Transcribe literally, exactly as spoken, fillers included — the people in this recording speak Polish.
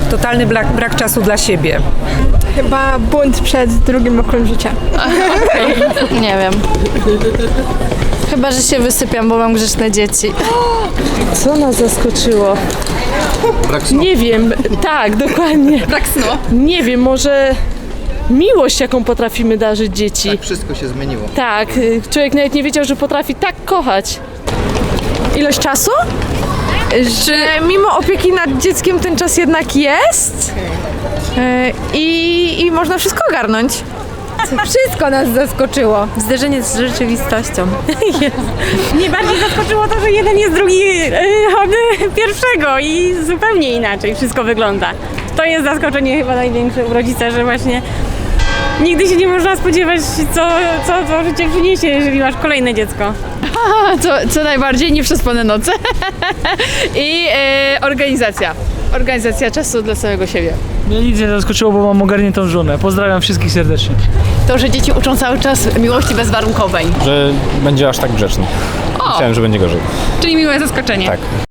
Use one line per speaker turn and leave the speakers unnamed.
totalny brak, brak czasu dla siebie.
Chyba bunt przed drugim rokiem życia.
Nie wiem. Chyba, że się wysypiam, bo mam grzeczne dzieci.
Co nas zaskoczyło?
Brak snu.
Nie wiem, tak, dokładnie.
Brak snu.
Nie wiem, może miłość, jaką potrafimy darzyć dzieci.
Tak, wszystko się zmieniło.
Tak, y, człowiek nawet nie wiedział, że potrafi tak kochać.
Ilość czasu? Że mimo opieki nad dzieckiem ten czas jednak jest e, i, i można wszystko ogarnąć.
Wszystko nas zaskoczyło. Zderzenie z rzeczywistością.
Mnie bardziej zaskoczyło to, że jeden jest drugi yy, od pierwszego i zupełnie inaczej wszystko wygląda. To jest zaskoczenie chyba największe u rodzica, że właśnie nigdy się nie można spodziewać, co, co to życie przyniesie, jeżeli masz kolejne dziecko.
Co, co najbardziej nieprzespane noce i e, organizacja. Organizacja czasu dla samego siebie.
Mnie nic nie zaskoczyło, bo mam ogarniętą żonę. Pozdrawiam wszystkich serdecznie.
To, że dzieci uczą cały czas miłości bezwarunkowej.
Że będzie aż tak grzeczny. Myślałem, że będzie gorzej.
Czyli miłe zaskoczenie.
Tak.